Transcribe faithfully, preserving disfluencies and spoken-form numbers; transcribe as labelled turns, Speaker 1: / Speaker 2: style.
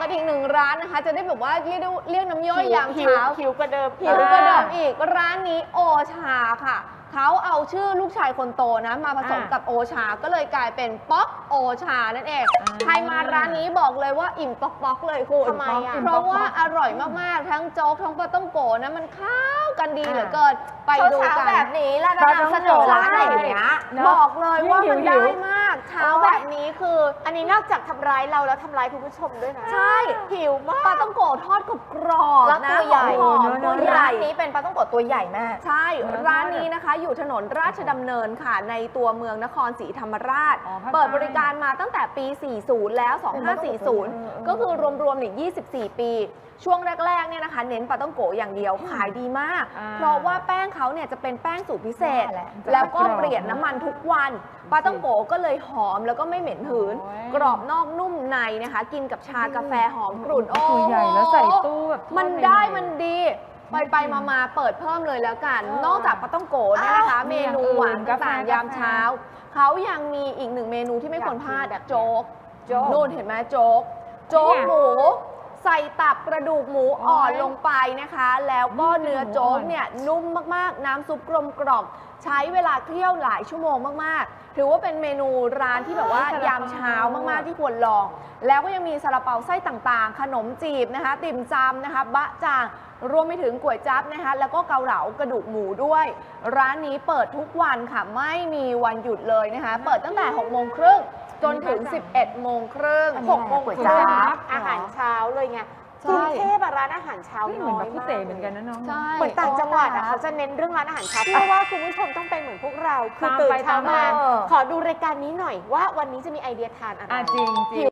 Speaker 1: ดอีกหนึ่งร้านนะคะจะได้แบบว่าเรียกเรียกน้ำย่อยยามเช้า
Speaker 2: หิวกระเดิม
Speaker 1: หิวกระเดิมอีกร้านนี้โอชาค่ะเขาเอาชื่อลูกชายคนโตนะมาผสมกับโอชาก็เลยกลายเป็นป๊อกโอชานั่นเองใครมาร้านนี้บอกเลยว่าอิ่มป๊อกป๊อกเลยคุณ
Speaker 2: ทำไมอ่ะ
Speaker 1: เพราะว่าอร่อยมากๆทั้งโจ๊กทั้งปลาต้องโกะนะมันเข้ากันดีเหลือเกินไปดูกันแบบนี้แล้วนำเสนอร้านอย่างเงี้ยบอกเลยว่ามันได้มากเช้าแบบนี้คือ
Speaker 2: อันนี้นอกจากทำร้ายเราแล้วทำร้ายคุณผู้ชมด้วยนะ
Speaker 1: ใช่
Speaker 2: หิวมาก
Speaker 1: ปลาต้องโกะทอดกรอบๆ
Speaker 3: แล้ว
Speaker 1: นะ
Speaker 3: ตัวใหญ่
Speaker 1: หอมๆตัวใหญ่
Speaker 3: ร้านนี้เป็นปลาต้องโกะตัวใหญ่มาก
Speaker 1: ใช่ ร้านนี้นะคะอยู่ถนนราชดำเนินค่ะในตัวเมืองนครศรีธรรมราช เปิดบริการมาตั้งแต่ปี สี่สิบ แล้ว สองห้าสี่ศูนย์ ก็คือรวมๆเนี่ยยี่สิบสี่ ปี ช่วงแรกๆเนี่ยนะคะเน้นปลาต้องโกะอย่างเดียวขายดีมาก เพราะว่าแป้งเขาเนี่ยจะเป็นแป้งสูตรพิเศษ แล้วก็เปลี่ยนน้ำมันทุกวันปลาต้องโกะก็เลยหอมแล้วก็ไม่เหม็นหืน กรอบนอกนุ่มในนะคะกินกับชากาแฟหอมกรุ่นโอ้โห
Speaker 4: ตัวใหญ่แล้วใส่ตู้แบบ
Speaker 1: มันได้มันดีไปไปมามาเปิดเพิ่มเลยแล้วกัน นอกจากปลาต้องโกะเนี่ยนะคะ เมนูหวานต่างๆยามเช้า เขายังมีอีกหนึ่งเมนูที่ไม่ควรพลาดอะโจ๊กนู่นเห็นไหมโจ๊ก โจ๊กหมู ใส่ตับกระดูกหมูอ่อนลงไปนะคะ แล้วก็เนื้อโจ๊กเนี่ยนุ่มมากๆ น้ำซุปกลมกล่อมใช้เวลาเคี่ยวหลายชั่วโมงมากๆ ถือว่าเป็นเมนูร้านที่แบบว่ายามเช้ามากๆที่ควรลอง แล้วก็ยังมีซาลาเปาไส้ต่างๆ ขนมจีบนะคะ ติ่มซำนะคะ บะจ่าง รวมไปถึงก๋วยจั๊บนะคะ แล้วก็เกาเหลากระดูกหมูด้วย ร้านนี้เปิดทุกวันค่ะ ไม่มีวันหยุดเลยนะคะ เปิดตั้งแต่หกโมงครึ่งจนถึง สิบเอ็ดโมงครึ่ง
Speaker 2: หกโมง
Speaker 3: ก๋วย
Speaker 2: ค
Speaker 3: จั๊
Speaker 2: รึ่ง
Speaker 3: บ
Speaker 2: อาหารเช้าเลยไง
Speaker 1: ใช่
Speaker 2: กรุงเทพอะร้านอาหารเช้า
Speaker 4: เหมื
Speaker 2: น้
Speaker 4: อน
Speaker 2: อ
Speaker 4: แบ
Speaker 2: ย
Speaker 4: บพิ
Speaker 2: มาก
Speaker 4: เศษเหมือนกันนะน้อง
Speaker 1: ใช่
Speaker 2: เหมือนต่างจังหวัดอะเขาจะเน้นเรื่องร้านอาหารเช้าเพื่อว่าคุณผู้ชมต้องเป็นเหมือนพวกเราคือ
Speaker 4: ตาม
Speaker 2: ตื่น
Speaker 4: ไป
Speaker 2: เช้า
Speaker 4: ตาม
Speaker 2: มา
Speaker 4: มา
Speaker 2: ขอดูรายการนี้หน่อยว่าวันนี้จะมีไอเดียทานอะไร
Speaker 4: อ่ะจริงจริง